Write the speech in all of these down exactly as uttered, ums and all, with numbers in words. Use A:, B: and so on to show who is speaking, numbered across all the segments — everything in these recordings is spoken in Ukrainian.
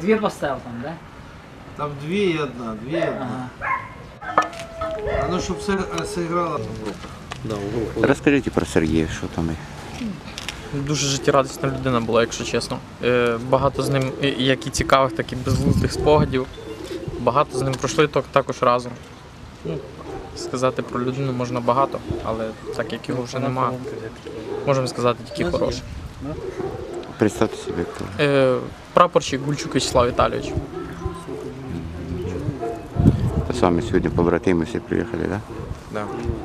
A: дві поставив там, да?
B: Там дві і одна, дві і одна.
A: Ага.
B: А ну, щоб все зіграло.
C: Да, в групу.
D: Розкажіть про Сергія, що там.
E: Дуже життєрадісна людина була, якщо чесно. Е, Багато з ним і- як і цікавих, так і безглуздих спогадів. Багато з ним пройшли так- також разом. Ну, сказати про людину можна багато, але так як його вже нема, можемо сказати тільки хороше.
D: Представте собі, хто.
E: Е, Прапорщик Гульчук Вячеслав Віталійович.
D: Та з вами сьогодні побратими всі приїхали, так?
E: Да.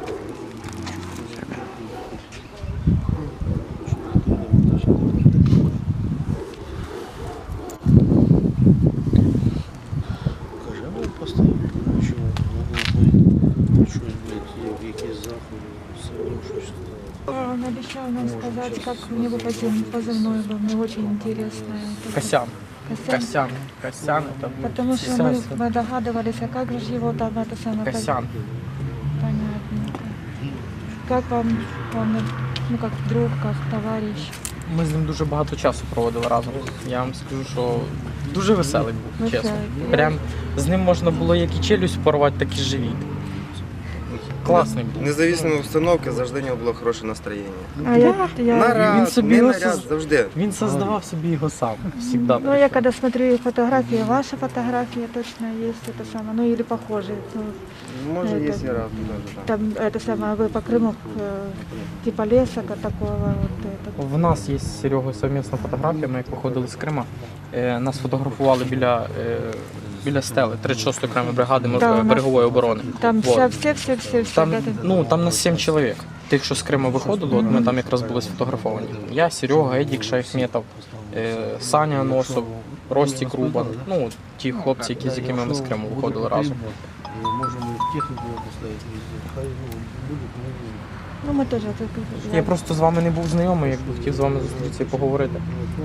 C: Каже, а ви поставили, що в щось, блядь, якісь заходи, все, щось.
F: Он обещал нам сказать, как у него позив- позывной был. Мне очень интересно. это.
E: Косян.
F: Косян.
E: Косян. Косян. Это
F: Потому что
E: Косян.
F: мы, мы догадывались, а как же его там это самое... поз-
E: Косян.
F: Понятно. Как вам он, ну как друг, как товарищ?
E: Ми з ним дуже багато часу проводили разом. Я вам скажу, що дуже веселий був, чесно.
F: Веселий.
E: Прям з ним можна було як і челюсть порвати, так і живіт. Класний був.
G: Независимо від обстановки, завжди у нього було хороше настроєння.
F: А я, я,
G: Наряд,
E: Він собі
G: не
E: його
G: наряд,
E: соз-
G: завжди.
E: Він создавав собі його сам. Всегда.
F: ну я когда смотрю фотографии, ваши фотографии точно есть, это самое, ну или похожие. Ну,
G: Може,
F: Это-
G: є і разом теж, так.
F: там это самое, вы по Крыму, э, типа леса как такого, вот это.
E: В нас є з Серегою совмісна фотографія, ми як виходили з Крима. Е, Нас фотографували біля, е, біля стели тридцять шостої окремої бригади мор-
F: Да, у нас-
E: берегової оборони.
F: Там
E: Вот.
F: вся, все, все, все, все.
E: Там,
F: да, там.
E: ну, там нас сім чоловік. Тих, що з Крима виходили, от ми там якраз були сфотографовані. Я, Серега, Едік Шайхметов, е, Саня Носов, Ростік Рубан. Ну, от ті хлопці, які, з якими ми з Криму виходили разом.
C: Можемо і техніку його поставити везде. Хай ну, буде, ну,
F: Ну мы тоже. так,
E: Я просто з вами не був знайомий, якби хотів з вами зустрітися і поговорити.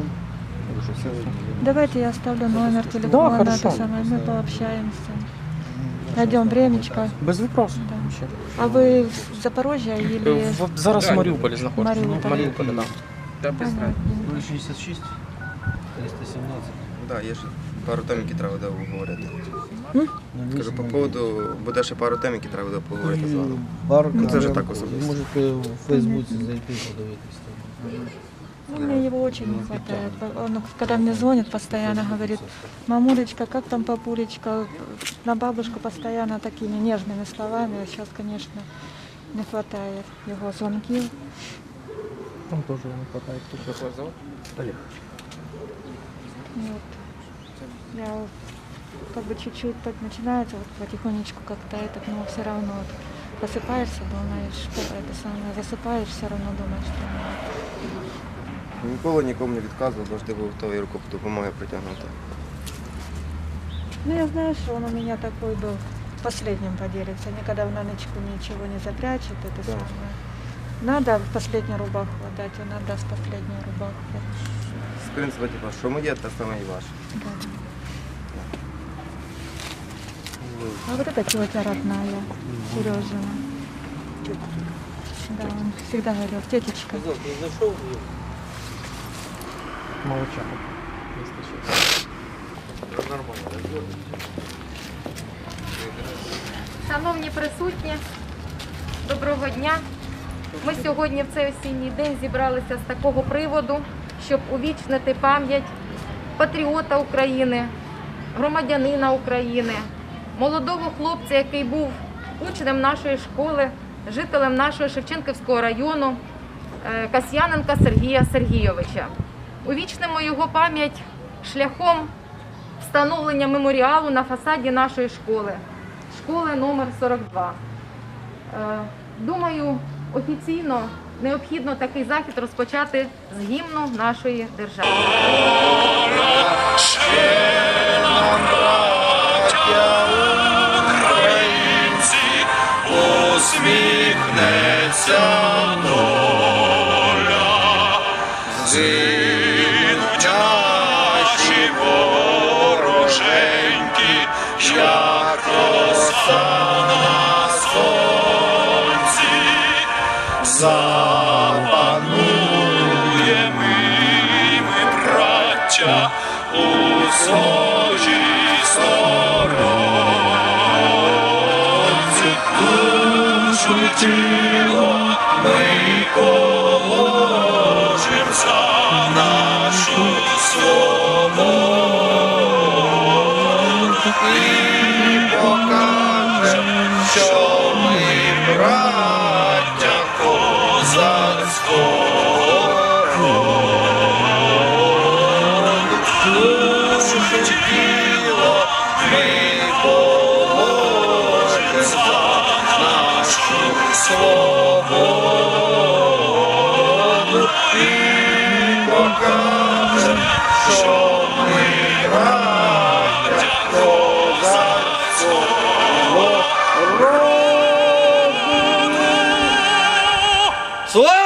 F: Давайте я оставлю номер телефона,
E: Да, хорошо.
F: это самое, мы пообщаемся. Найдем времечко.
E: Без вопросу.
F: Да.
E: Вообще.
F: А вы в Запорожье или...
E: Е, в- Зараз в Маріуполі знаходиться.
F: Маріуполі.
E: В Маріуполі, так.
F: Понятно.
C: нуль шістдесят шість, триста сімнадцять.
G: Да, є ще пару тем, які треба буде обговорити.
F: М?
G: Кажу, по поводу, буде ще пару тем, які треба буде поговорити з вами.
C: Пару
G: Ну, це вже
C: камер.
G: так особисто.
C: Можете в Фейсбуці зайти подивитись там.
F: Ну, мне его очень не хватает. Он, когда мне звонит, постоянно говорит: мамулечка, как там папулечка? На бабушку постоянно такими нежными словами. А сейчас, конечно, не хватает его звонки.
E: Там теж не хватає. Хто його
F: Вот. Я как бы чуть-чуть так начинается, вот потихонечку как-то это, но все равно вот просыпаешься, думаешь, что это самое, засыпаешь, все равно думаешь, что
G: Ніколи нікому не відказував, завжди був готовий руку допомоги притягнути.
F: ну я знаю, что он у меня такой был, последним поделится, никогда в ночку ничего не запрячет, это
G: Да.
F: самое. Надо последнюю рубаху отдать, он отдаст последнюю рубаху.
G: З принципу, типу, що моє, те саме і ваше.
F: Да. А вот эта тетя родная, Сережина. Да, он всегда говорил: тетечка.
E: Молодчага.
H: Шановні присутні, доброго дня. Ми сьогодні в цей осінній день зібралися з такого приводу, щоб увічнити пам'ять патріота України, громадянина України, молодого хлопця, який був учнем нашої школи, жителем нашого Шевченківського району, е, Касьяненка Сергія Сергійовича. Увічнимо його пам'ять шляхом встановлення меморіалу на фасаді нашої школи, школи номер сорок два. Е, Думаю, офіційно необхідно такий захід розпочати з гімну нашої держави.
I: Усміхнеться доля, згинуть наші вороженьки, як роса на сонці, запануємо ми, браття, у своїй сторонці, душу й тіло ми положим за нашу свободу і покажем, що ми браття козацького роду. Душу й тіло ми положим за нашу свободу і покажем, що ми браття козацького роду. Слава